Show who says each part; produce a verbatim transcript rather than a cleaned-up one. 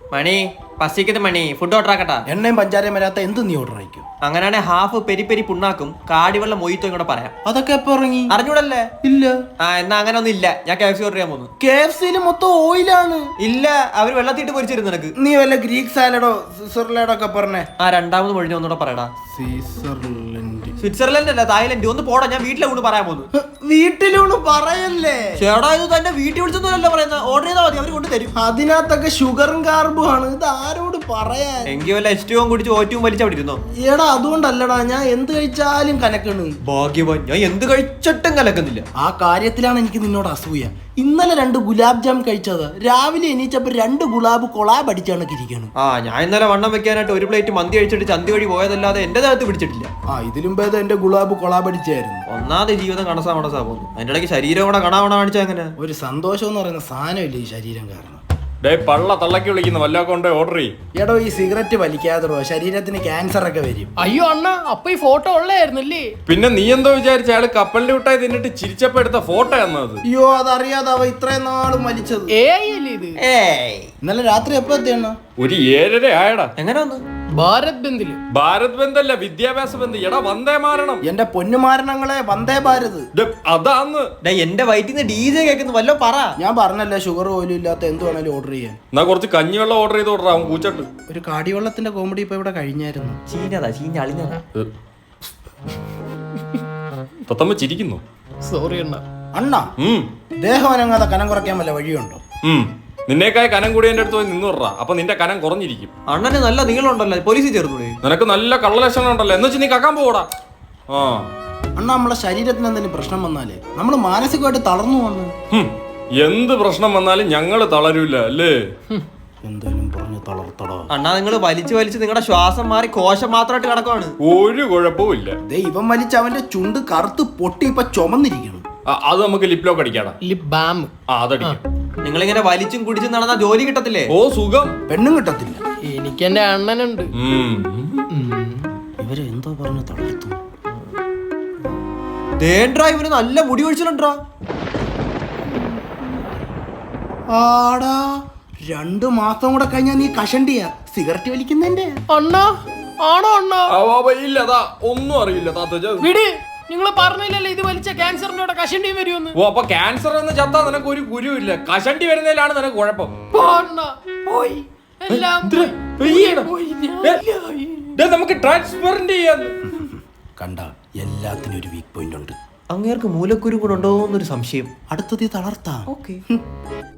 Speaker 1: മണി പസിക്കത് മണി food order ആക്കട്ടാ.
Speaker 2: എണ്ണയും പഞ്ചാരയും വരാത്ത എന്ത് നീ ഓർഡർ ആയിക്കും?
Speaker 1: അങ്ങനെയാണെ ഹാഫ് പെരി പെരി പുണ്ണാക്കും കാടിവെള്ളം മൊയ്ത്തോ കൂടെ പറയാം.
Speaker 2: അതൊക്കെ എപ്പോ ഇറങ്ങി?
Speaker 1: അറിഞ്ഞൂടല്ലേ?
Speaker 2: ഇല്ല.
Speaker 1: ആ എന്നാ അങ്ങനെ ഒന്നും ഇല്ല. ഞാൻ കെ എഫ് സി ഓർഡർ ചെയ്യാൻ പോകുന്നു.
Speaker 2: കെ എഫ് സിയിൽ മൊത്തം ഓയിലാണ്.
Speaker 1: ഇല്ല, അവര് വെള്ളത്തിട്ട് പൊരിച്ചിരുന്നു നിനക്ക്.
Speaker 2: നീ വല്ല ഗ്രീക്ക് സാലഡോ സ്വിറ്റ്സർലാൻഡോ ഒക്കെ പറഞ്ഞേ.
Speaker 1: ആ രണ്ടാമത് മൊഴിഞ്ഞ ഒന്നുകൂടെ പറയടാ.
Speaker 2: സ്വിറ്റ്സർലൻഡ്
Speaker 1: സ്വിറ്റ്സർലൻഡ് അല്ല, തായ്ലൻഡ്. ഒന്ന് പോടാ, ഞാൻ വീട്ടിലെ കൊണ്ട് പറയാൻ പോകുന്നു.
Speaker 2: വീട്ടിലൂണ് പറയല്ലേ
Speaker 1: ചേടാ, ഇത് തന്റെ വീട്ടിൽ വിളിച്ചൊന്നുമല്ലോ പറയുന്നത്. ഓർഡർ ചെയ്താൽ മതി, അവര് കൊണ്ട് തരും.
Speaker 2: അതിനകത്തൊക്കെ ഷുഗറും കാർബും ആണ്. ഇത് ആരോട് പറയാൻ?
Speaker 1: എങ്കിൽ വല്ല എസ്റ്റവും കുടിച്ച് ഓറ്റവും വലിച്ചവിടെ ഇരുന്നോ.
Speaker 2: എടാ അതുകൊണ്ടല്ലടാ, ഞാൻ എന്ത് കഴിച്ചാലും കലക്കണ്.
Speaker 1: ഭാഗ്യവാൻ, ഞാൻ എന്ത് കഴിച്ചിട്ടും കലക്കുന്നില്ല.
Speaker 2: ആ കാര്യത്തിലാണ് എനിക്ക് നിന്നോട് അസൂയ. ഇന്നലെ രണ്ട് ഗുലാബ് ജാം കഴിച്ചത്, രാവിലെ എണീച്ചപ്പോ രണ്ട് ഗുലാബ് കൊളാബ് അടിച്ചാണ് ഇരിക്കണം.
Speaker 1: ആ ഞാൻ ഇന്നലെ വണ്ണം വെക്കാനായിട്ട് ഒരു പ്ലേറ്റ് മന്തി കഴിച്ചിട്ട് ചന്തി വഴി പോയതല്ലാതെ എന്റെ ദേഹത്ത് പിടിച്ചിട്ടില്ല.
Speaker 2: ആ ഇതിലും ഭേദം എന്റെ ഗുലാബ് കൊളാബ് അടിച്ചായിരുന്നു.
Speaker 1: ഒന്നാമത് ജീവിതം കണസാ മണസാ പോകുന്നു. അതിന്റെ ഇടയ്ക്ക് ശരീരം കൂടെ കണാവണ കാണിച്ചാ എങ്ങനെ?
Speaker 2: ഒരു സന്തോഷം എന്ന് പറയുന്ന സാധനമില്ല ഈ ശരീരം കാരണം.
Speaker 3: പള്ള തള്ളക്കി വിളിക്കുന്ന വല്ലതൊക്കെ കൊണ്ട് ഓർഡർ ചെയ്യും.
Speaker 2: എടോ ഈ സിഗരറ്റ് വലിക്കാതോ ശരീരത്തിന് ക്യാൻസർ ഒക്കെ വരും.
Speaker 4: അയ്യോ അണ്ണ, അപ്പൊ ഈ ഫോട്ടോ ഉള്ളായിരുന്നല്ലേ?
Speaker 3: പിന്നെ നീ എന്തോ വിചാരിച്ച അയാള് കപ്പലിന്റെ വിട്ടായി തിന്നിട്ട് ചിരിച്ചപ്പോ എടുത്ത ഫോട്ടോ എന്നത്?
Speaker 2: അയ്യോ അതറിയാതെ അവ ഇത്രയും നാളും വലിച്ചത്.
Speaker 4: ഏ അല്ലേ ഇത്?
Speaker 1: ഏയ്
Speaker 2: ഇന്നലെ രാത്രി എപ്പോ എത്തിയണ്ണ?
Speaker 3: ഒരു ഏഴര ആയടാ.
Speaker 1: എങ്ങനെ വന്നു?
Speaker 4: ഭാരത് ബന്ദില്.
Speaker 3: ഭാരത് ബന്ധല്ല, വിദ്യാഭ്യാസ ബന്ധം. എടാ വന്ദേ മാരണം.
Speaker 2: എന്റെ പൊന്നുമാരണങ്ങളെ വന്ദേ ഭാരത്.
Speaker 3: അതാന്ന്
Speaker 1: എന്റെ വയറ്റിൽ നിന്ന് ഡി ജെ കേൾക്കുന്നു. വല്ലോ പറ.
Speaker 2: ഞാൻ പറഞ്ഞല്ലേ ഷുഗർ പോലും ഇല്ലാത്ത എന്ത് വേണേലും ഓർഡർ ചെയ്യാൻ.
Speaker 3: എന്നാ കുറച്ച് കഞ്ഞിവെള്ളം ഓർഡർ ചെയ്ത് ഓർഡർ ആവും കൂച്ചട്ട്.
Speaker 2: ഒരു കാടിവെള്ളത്തിന്റെ കോമഡി ഇപ്പൊ ഇവിടെ കഴിഞ്ഞായിരുന്നു.
Speaker 1: ചീഞ്ഞതാ, ചീഞ്ഞ അളിഞ്ഞതാ.
Speaker 3: തത്തമ്മ ചിരിക്കുന്നു.
Speaker 4: സോറി അണ്ണ.
Speaker 2: അണ്ണ ദേഹം അനങ്ങാതെ കനം കുറയ്ക്കാൻ വല്ല വഴിയുണ്ടോ?
Speaker 3: നിന്നേക്കായ കനം കൂടി എന്റെ അടുത്ത് പോയി നിന്ന് വിടറാ. അപ്പൊ നിന്റെ കനം കുറഞ്ഞിരിക്കും.
Speaker 1: അണ്ണന് നല്ല നീളമുണ്ടല്ലോ, പോലീസിൽ ചേർന്നൂടെ?
Speaker 3: നിനക്ക് നല്ല കള്ളലക്ഷണം ഉണ്ടല്ലോ. എന്ന് വെച്ച് നീ കക്കാൻ പോടാ. ആ
Speaker 2: അണ്ണ നമ്മളെ ശരീരത്തിന് എന്തെങ്കിലും പ്രശ്നം വന്നാലേ നമ്മൾ മാനസികമായിട്ട് തളർന്നു വന്നു.
Speaker 3: എന്ത് പ്രശ്നം വന്നാലും ഞങ്ങള് തളരൂല അല്ലേ?
Speaker 2: എന്തായാലും പറഞ്ഞു തളർത്തടോ.
Speaker 1: അണ്ണാ നിങ്ങൾ വലിച്ചു വലിച്ച് നിങ്ങളുടെ ശ്വാസം മാറി കോശം മാത്രമായിട്ട് കിടക്കുവാണ്.
Speaker 3: ഒരു കുഴപ്പവും ഇല്ല.
Speaker 2: ദൈവം വലിച്ച് അവന്റെ ചുണ്ട് കറുത്ത് പൊട്ടി ഇപ്പൊ ചുമന്നിരിക്കണം.
Speaker 3: അത് നമുക്ക് ലിപ്ലോക്ക് അടിക്കാടാ.
Speaker 4: Lip balm.
Speaker 3: ആ അതടിക്കാം.
Speaker 1: നിങ്ങളിങ്ങനെ വലിച്ചും കുടിച്ചും നടന്നാ ജോലി കിട്ടത്തില്ലേ?
Speaker 3: ഓ സുഖം.
Speaker 2: പെണ്ണും കിട്ടത്തില്ല.
Speaker 4: എനിക്ക് എന്റെ അണ്ണനുണ്ട്.
Speaker 2: ഇവര് എന്തോ പറഞ്ഞു തളർത്തു.
Speaker 1: ഇവന് നല്ല മുടി ഒഴിച്ചിട്ടുണ്ടാ.
Speaker 2: ആടാ രണ്ടു മാസം കൂടെ കഴിഞ്ഞാ നീ കഷണ്ടിയാ സിഗരറ്റ് വലിക്കുന്നതിന്റെ.
Speaker 4: അണ്ണ ആണോ അണ്ണ?
Speaker 3: ഇല്ലതാ ഒന്നും അറിയില്ല.
Speaker 4: വിട്, നിങ്ങൾ പറഞ്ഞില്ലല്ലോ ഇത് വലിച്ച ക്യാൻസറിന്റെ കൂടെ കഷണ്ടിയും വരുമെന്ന്.
Speaker 3: ഓ അപ്പൊ ക്യാൻസർ എന്ന് ചത്താ നിനക്ക് ഒരു ഗുരുവില്ല. കഷണ്ടി വരുന്നതിലാണ് നിനക്ക് കുഴപ്പം.
Speaker 4: പോയി എല്ലാം
Speaker 3: നമുക്ക് ട്രാൻസ്പെറന്റ് ചെയ്യാൻ.
Speaker 2: കണ്ട എല്ലാത്തിനും ഒരു വീക്ക് പോയിന്റ് ഉണ്ട്.
Speaker 1: അങ്ങേർക്ക് മൂലക്കുരു കൂടെ ഉണ്ടോ എന്നൊരു സംശയം.
Speaker 2: അടുത്തത് തളർത്താം.
Speaker 1: ഓക്കെ.